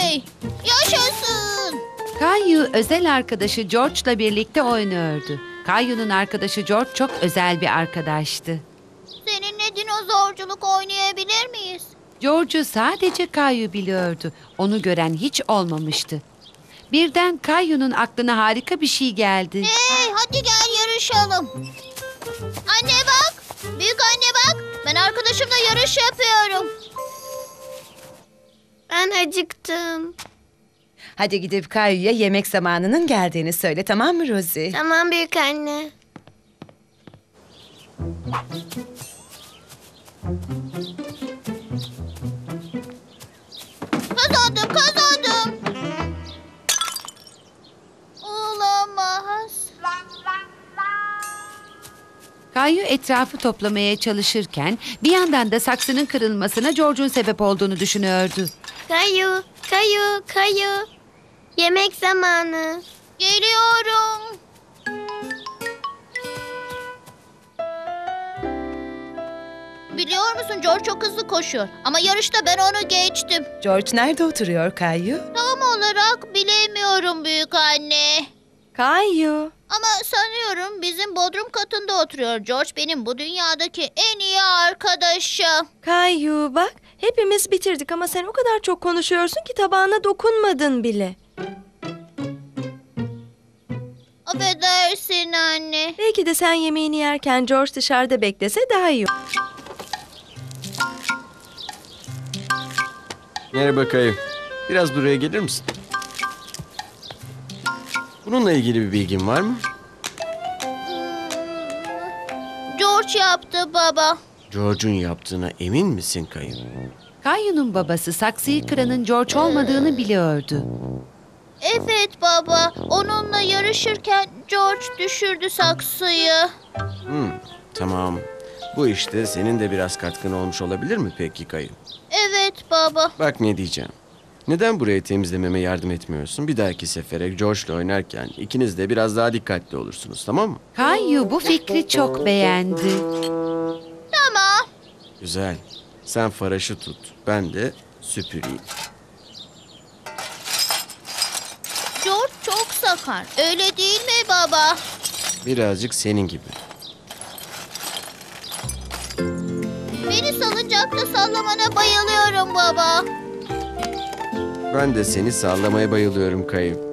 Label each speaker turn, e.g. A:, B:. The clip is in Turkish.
A: Oley! Yaşasın!
B: Kayu özel arkadaşı George'la birlikte oynuyordu. Kayu'nun arkadaşı George çok özel bir arkadaştı.
A: Seninle dinozorculuk oynayabilir miyiz?
B: George'u sadece Kayu biliyordu. Onu gören hiç olmamıştı. Birden Kayu'nun aklına harika bir şey geldi.
A: Hey, hadi gel yarışalım. Anne bak! Büyük anne bak! Ben arkadaşımla yarış yapıyorum.
C: Ben acıktım.
D: Hadi gidip Kayu'ya yemek zamanının geldiğini söyle, tamam mı Rosie?
C: Tamam büyük anne.
A: Kazandım. Olamaz.
B: Kayu etrafı toplamaya çalışırken bir yandan da saksının kırılmasına George'un sebep olduğunu düşünüyordu.
C: Kayu, kayu, kayu. Yemek zamanı.
A: Geliyorum. Biliyor musun George çok hızlı koşuyor. Ama yarışta ben onu geçtim.
D: George nerede oturuyor Kayu?
A: Tam olarak bilemiyorum büyük anne.
E: Kayu.
A: Ama sanıyorum bizim bodrum katında oturuyor. George benim bu dünyadaki en iyi arkadaşım.
E: Kayu bak. Hepimiz bitirdik ama sen o kadar çok konuşuyorsun ki tabağına dokunmadın bile.
A: Affedersin anne.
E: Belki de sen yemeğini yerken George dışarıda beklese daha iyi.
F: Merhaba Kayu. Biraz buraya gelir misin? Bununla ilgili bir bilgin var mı?
A: George yaptı baba.
F: George'un yaptığına emin misin Kayu?
B: Kayu'nun babası saksıyı kıranın George olmadığını biliyordu.
A: Evet baba. Onunla yarışırken George düşürdü saksıyı.
F: Tamam. Bu işte senin de biraz katkın olmuş olabilir mi peki Kayu?
A: Evet baba.
F: Bak ne diyeceğim. Neden burayı temizlememe yardım etmiyorsun? Bir dahaki sefere George'la oynarken ikiniz de biraz daha dikkatli olursunuz, tamam mı?
B: Kayu bu fikri çok beğendi.
A: Tamam.
F: Güzel. Sen faraşı tut. Ben de süpüreyim.
A: George çok sakar. Öyle değil mi baba?
F: Birazcık senin gibi.
A: Beni salıncakta sallamana bayılıyorum baba.
F: Ben de seni sallamaya bayılıyorum Kayu.